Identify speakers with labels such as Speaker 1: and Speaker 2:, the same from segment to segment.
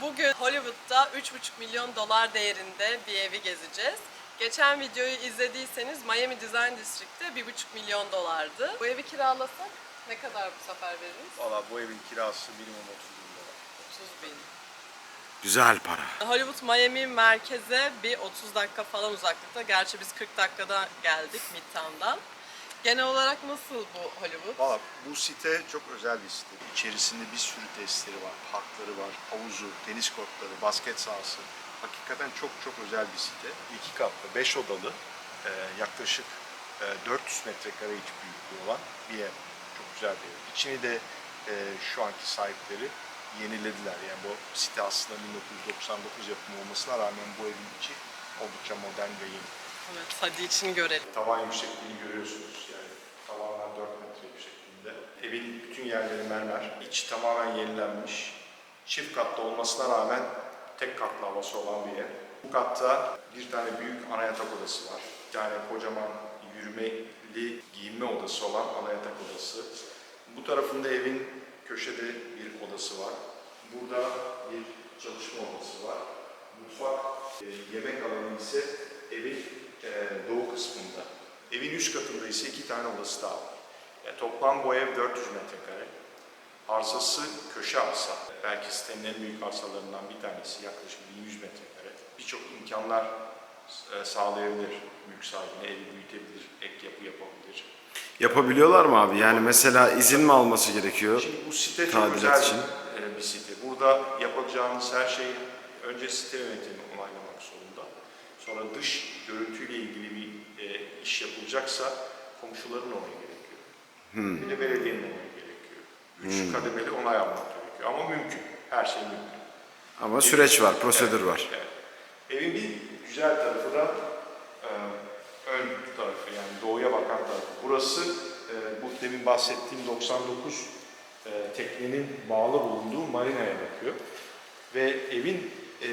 Speaker 1: Bugün Hollywood'da 3,5 milyon dolar değerinde bir evi gezeceğiz. Geçen videoyu izlediyseniz Miami Design District'te 1,5 milyon dolardı. Bu evi kiralasak ne kadar bu sefer veririz?
Speaker 2: Valla bu evin kirası minimum 30 bin dolar.
Speaker 1: 30 bin.
Speaker 3: Güzel para.
Speaker 1: Hollywood Miami merkeze bir 30 dakika falan uzaklıkta. Gerçi biz 40 dakikada geldik Midtown'dan. Genel olarak nasıl bu Hollywood?
Speaker 2: Valla bu site çok özel bir site. İçerisinde bir sürü tesisleri var, parkları var, havuzu, tenis kortları, basket sahası. Hakikaten çok özel bir site. 2 katlı, 5 odalı, yaklaşık 400 metrekare iç büyüklüğü olan bir ev. Çok güzel bir ev. İçini de şu anki sahipleri yenilediler. Yani bu site aslında 1999 yapımı olmasına rağmen bu evin içi oldukça modern ve yeni.
Speaker 1: Evet, hadi içini görelim.
Speaker 2: Tavan yüksekliğini görüyorsunuz, yani tavanlar 4 metre yüksekliğinde. Evin bütün yerleri mermer, iç tamamen yenilenmiş. Çift katlı olmasına rağmen tek katlı havası olan bir ev. Bu katta bir tane büyük ana yatak odası var. Bir tane kocaman yürümeli giyinme odası olan ana yatak odası. Bu tarafında evin köşede bir odası var. Burada bir çalışma odası var. Mutfak, yemek alanı ise evin doğu kısmında. Evin üst katında ise 2 tane odası daha var. Yani toplam bu ev 400 metrekare. Arsası köşe arsa. Belki sitenin en büyük arsalarından bir tanesi, yaklaşık 1100 metrekare. Birçok imkanlar sağlayabilir mülk sahibine, evi büyütebilir, ek yapı yapabilir.
Speaker 3: Yapabiliyorlar mı abi? Yani mesela izin mi alması gerekiyor?
Speaker 2: Şimdi bu site çok
Speaker 3: Tadilat
Speaker 2: özel
Speaker 3: için.
Speaker 2: bir site. Burada yapacağınız her şeyi önce site yönetimi onaylamak zorunda. Sonra dış görüntüyle ilgili bir iş yapılacaksa komşuların onayı gerekiyor. Bir de belediyenin onayı gerekiyor. 3 kademeli onay almak gerekiyor. Ama mümkün. Her şey mümkün.
Speaker 3: Ama süreç var, prosedür var.
Speaker 2: Evet. Evin bir güzel tarafı da ön tarafı, yani doğuya bakan tarafı. Burası bu demin bahsettiğim 99 teknenin bağlı bulunduğu marinaya bakıyor. Ve evin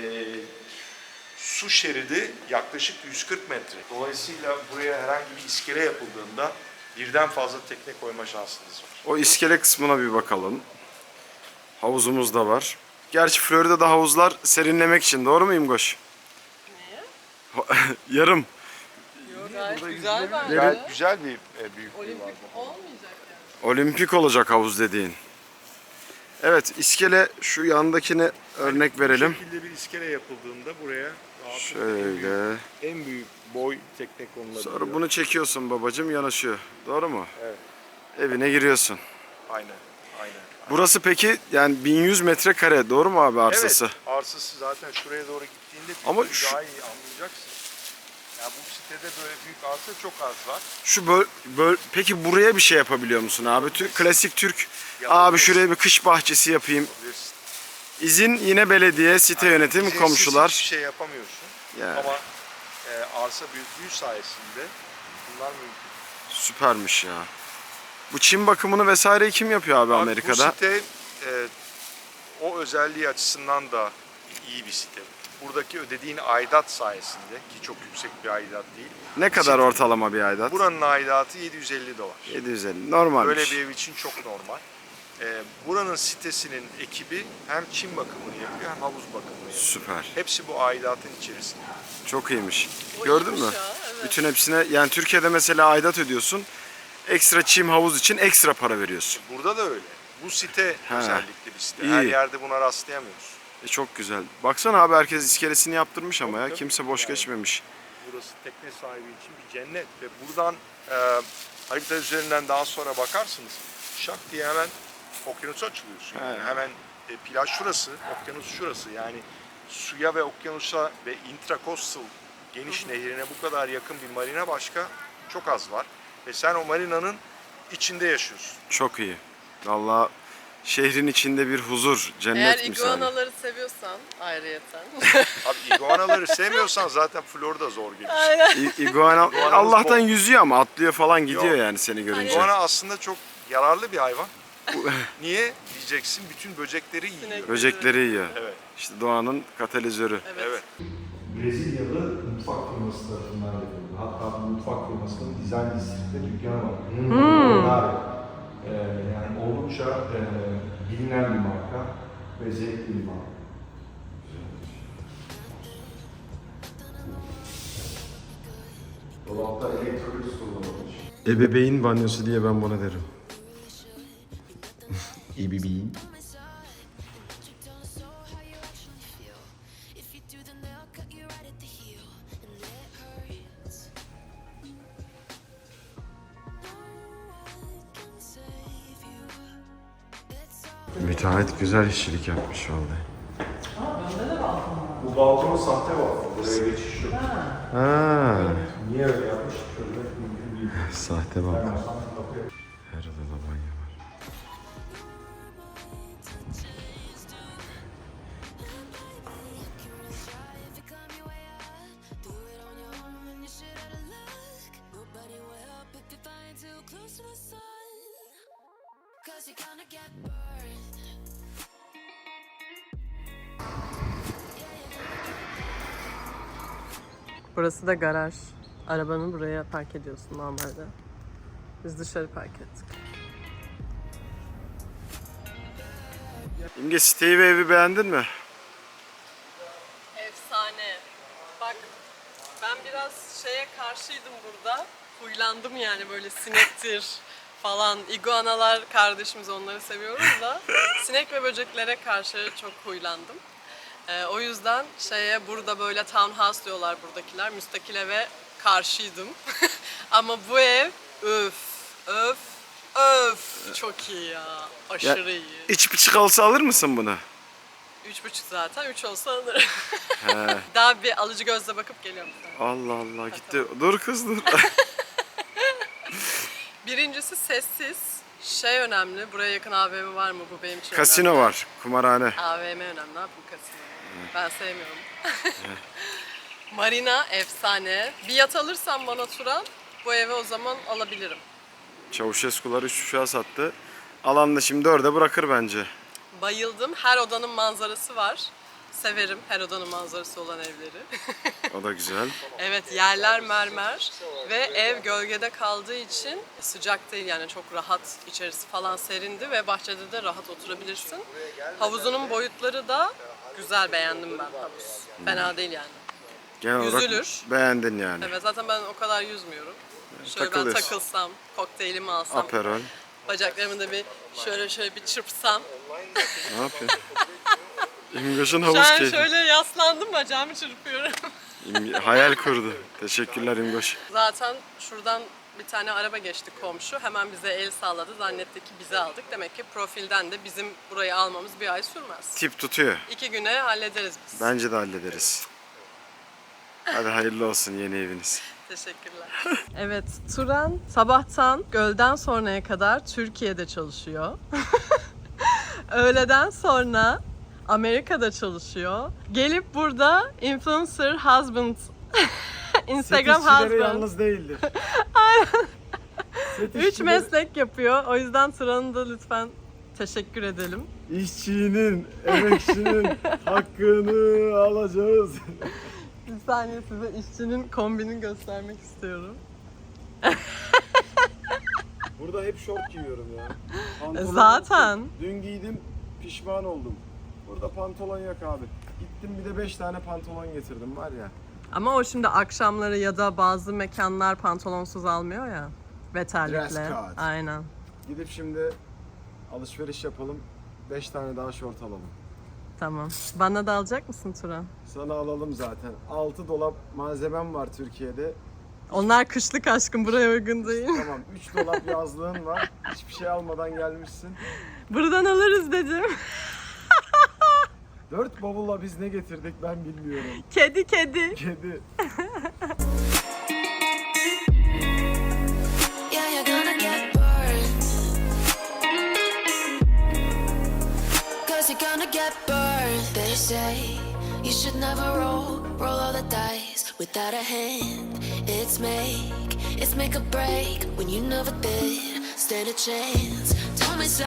Speaker 2: su şeridi yaklaşık 140 metre. Dolayısıyla buraya herhangi bir iskele yapıldığında birden fazla tekne koyma şansınız var.
Speaker 3: O iskele kısmına bir bakalım. Havuzumuz da var. Gerçi Florida'da havuzlar serinlemek için, doğru muyum Goş?
Speaker 1: Niye?
Speaker 3: Yarım.
Speaker 1: Yok, gayet güzel bence.
Speaker 2: Güzel bir büyüklüğü var.
Speaker 1: Olimpik olmayacak yani.
Speaker 3: Olimpik olacak havuz dediğin. Evet, iskele şu yandakine örnek verelim.
Speaker 2: Bu şekilde bir iskele yapıldığında buraya
Speaker 3: Şöyle.
Speaker 2: en büyük boy tekne konulabiliyor.
Speaker 3: Sonra bunu çekiyorsun babacığım, yanaşıyor. Doğru mu?
Speaker 2: Evet.
Speaker 3: Evine giriyorsun.
Speaker 2: Aynen.
Speaker 3: Burası peki yani 1100 metrekare, doğru mu abi arsası?
Speaker 2: Evet, arsası zaten şuraya doğru gittiğinde
Speaker 3: Ama
Speaker 2: daha iyi anlayacaksın. Ya bu sitede böyle büyük arsa çok az var.
Speaker 3: Şu peki buraya bir şey yapabiliyor musun abi? Klasik Türk abi
Speaker 2: Yapabilirsin.
Speaker 3: şuraya bir kış bahçesi yapayım.
Speaker 2: Bilirsin.
Speaker 3: İzin yine belediye, site yönetimi,
Speaker 2: İzinsiz
Speaker 3: komşular.
Speaker 2: hiçbir şey yapamıyorsun.
Speaker 3: Yani.
Speaker 2: Ama arsa büyüklüğü sayesinde bunlar mümkün.
Speaker 3: Süpermiş ya. Bu çim bakımını vesaireyi kim yapıyor abi Amerika'da?
Speaker 2: Bu site o özelliği açısından da iyi bir site. Buradaki ödediğin aidat sayesinde, ki çok yüksek bir aidat değil.
Speaker 3: Ne kadar ortalama bir aidat?
Speaker 2: Buranın aidatı 750 dolar.
Speaker 3: 750. Normalmiş.
Speaker 2: Böyle bir ev için çok normal. Buranın sitesinin ekibi hem çim bakımını yapıyor hem havuz bakımını yapıyor.
Speaker 3: Süper.
Speaker 2: Hepsi bu aidatın içerisinde.
Speaker 3: Çok iyiymiş.
Speaker 1: O
Speaker 3: Gördün mü?
Speaker 1: iyiymiş ya, evet.
Speaker 3: Bütün hepsine, yani Türkiye'de mesela aidat ödüyorsun. Ekstra çim havuz için ekstra para veriyorsun.
Speaker 2: Burada da öyle. Bu site
Speaker 3: He.
Speaker 2: özellikle bir site.
Speaker 3: İyi.
Speaker 2: Her yerde buna rastlayamıyoruz.
Speaker 3: Çok güzel. Baksana abi, herkes iskelesini yaptırmış ama ya.
Speaker 2: Tabii.
Speaker 3: Kimse boş
Speaker 2: Yani.
Speaker 3: geçmemiş.
Speaker 2: Burası tekne sahibi için bir cennet ve buradan harita üzerinden daha sonra bakarsınız. Şak diye hemen okyanusa açılıyorsun. Yani
Speaker 3: He.
Speaker 2: hemen plaj şurası, okyanus şurası. Yani suya ve okyanusa ve intracoastal geniş nehrine bu kadar yakın bir marina başka çok az var. Ve sen o marinanın içinde yaşıyorsun.
Speaker 3: Çok iyi. Vallahi şehrin içinde bir huzur,
Speaker 1: Eğer
Speaker 3: cennet misali.
Speaker 1: iguanaları seviyorsan ayrıyeten.
Speaker 2: Abi iguanaları sevmiyorsan zaten Florida zor gelir.
Speaker 1: Aynen.
Speaker 3: İguana
Speaker 2: İguanamız
Speaker 3: Allah'tan
Speaker 2: bol.
Speaker 3: yüzüyor ama atlıyor falan gidiyor
Speaker 2: Yok.
Speaker 3: yani seni görünce.
Speaker 2: İguana aslında çok yararlı bir hayvan. Niye diyeceksin? Bütün böcekleri yiyor.
Speaker 1: Sinek.
Speaker 3: Böcekleri yiyor.
Speaker 2: Evet.
Speaker 3: İşte doğanın katalizörü.
Speaker 2: Evet.
Speaker 4: Brezilyalı mutfak firması tarafından yapıldı. Hatta bu mutfak firmasının Design District'te dükkanı var. Onlar, yani oldukça bilinen bir marka ve zevkli bir marka. Dolapta elektrolit kullanılmış.
Speaker 3: Ebeveyn banyosu diye ben buna derim. Ebeveyn. Müteahhit güzel işçilik yapmış vallahi.
Speaker 2: Bu balkon sahte balkon. Buraya geçiş yok.
Speaker 3: Ha,
Speaker 2: Niye öyle yapmış? Çözmek mümkün değil.
Speaker 3: sahte balkon.
Speaker 2: Ben olsam kapıya
Speaker 3: Her odada banyo var.
Speaker 1: Burası da garaj. Arabanı buraya park ediyorsun normalde. Biz dışarı park ettik.
Speaker 3: İmge, siteyi ve evi beğendin mi?
Speaker 1: Efsane. Bak ben biraz şeye karşıydım burada. Huylandım yani böyle sinektir falan. İguanalar kardeşimiz, onları seviyoruz da sinek ve böceklere karşı çok huylandım. O yüzden burada böyle townhouse diyorlar buradakiler. Müstakil eve karşıydım. Ama bu ev öf çok iyi ya. Aşırı iyi.
Speaker 3: İç buçuk olsa alır mısın bunu?
Speaker 1: 3,5 zaten. 3 olsa alırım. Daha bir alıcı gözle bakıp geliyorum sana.
Speaker 3: Allah Allah, gitti. Dur kız dur.
Speaker 1: Birincisi sessiz. Önemli. Buraya yakın AVM var mı? Bu benim için
Speaker 3: Kasino
Speaker 1: önemli.
Speaker 3: var, kumarhane.
Speaker 1: AVM önemli. Ne yapayım kasino? Ben sevmiyorum. Marina efsane. Bir yat alırsan bana Turan, bu eve o zaman alabilirim.
Speaker 3: Çavuşeskular 3 uçağı sattı. Alan da şimdi 4'e bırakır bence.
Speaker 1: Bayıldım. Her odanın manzarası var. Severim her odanın manzarası olan evleri.
Speaker 3: O da güzel.
Speaker 1: Evet, yerler mermer ve ev gölgede kaldığı için sıcak değil, yani çok rahat, içerisi falan serindi ve bahçede de rahat oturabilirsin. Havuzunun boyutları da güzel, beğendim ben havuz. Fena değil yani.
Speaker 3: Genel olarak
Speaker 1: Yüzülür.
Speaker 3: beğendin yani.
Speaker 1: Evet, zaten ben o kadar yüzmüyorum. Şöyle ben
Speaker 3: Takılıyorsun.
Speaker 1: takılsam, kokteylimi alsam,
Speaker 3: Aperol.
Speaker 1: bacaklarımı da bir şöyle bir çırpsam.
Speaker 3: Ne yapıyorsun? İmgoş'un
Speaker 1: Şu
Speaker 3: havuz
Speaker 1: an
Speaker 3: keyfi.
Speaker 1: şöyle yaslandım, bacağımı çırpıyorum.
Speaker 3: Hayal kurdu. Teşekkürler İmgoş.
Speaker 1: Zaten şuradan bir tane araba geçti komşu. Hemen bize el salladı. Zannetti ki bizi aldık. Demek ki profilden de bizim burayı almamız bir ay sürmez.
Speaker 3: Tip tutuyor.
Speaker 1: 2 güne hallederiz biz.
Speaker 3: Bence de hallederiz. Hadi hayırlı olsun yeni eviniz.
Speaker 1: Teşekkürler. Evet, Turan sabahtan gölden sonraya kadar Türkiye'de çalışıyor. Öğleden sonra Amerika'da çalışıyor. Gelip burada influencer husband, Instagram husband.
Speaker 3: değildir.
Speaker 1: 3 meslek yapıyor. O yüzden Turan'ı da lütfen teşekkür edelim.
Speaker 3: İşçinin, emekçinin hakkını alacağız.
Speaker 1: Bir saniye size işçinin kombini göstermek istiyorum.
Speaker 3: Burada hep şort giyiyorum ya.
Speaker 1: Zaten.
Speaker 3: Dün giydim, pişman oldum. Burada pantolon yok abi. Gittim bir de 5 tane pantolon getirdim var ya.
Speaker 1: Ama o şimdi akşamları ya da bazı mekanlar pantolonsuz almıyor ya. Ve
Speaker 3: Dress
Speaker 1: terlikle.
Speaker 3: code.
Speaker 1: Aynen.
Speaker 3: Gidip şimdi alışveriş yapalım. 5 tane daha şort alalım.
Speaker 1: Tamam. Bana da alacak mısın Turan?
Speaker 3: Sana alalım zaten. 6 dolap malzemem var Türkiye'de.
Speaker 1: Onlar kışlık aşkım, buraya uygun değil.
Speaker 3: Tamam 3 dolap yazlığın var. Hiçbir şey almadan gelmişsin.
Speaker 1: Buradan alırız dedim.
Speaker 3: 4 bavulla biz ne getirdik ben bilmiyorum.
Speaker 1: Kedi.
Speaker 3: Kedi.
Speaker 5: Yeah, you're gonna get burned. 'Cause you're gonna get burned. They say you should never roll all the dice without a hand. It's make or break when you never did stand a chance. Told me so.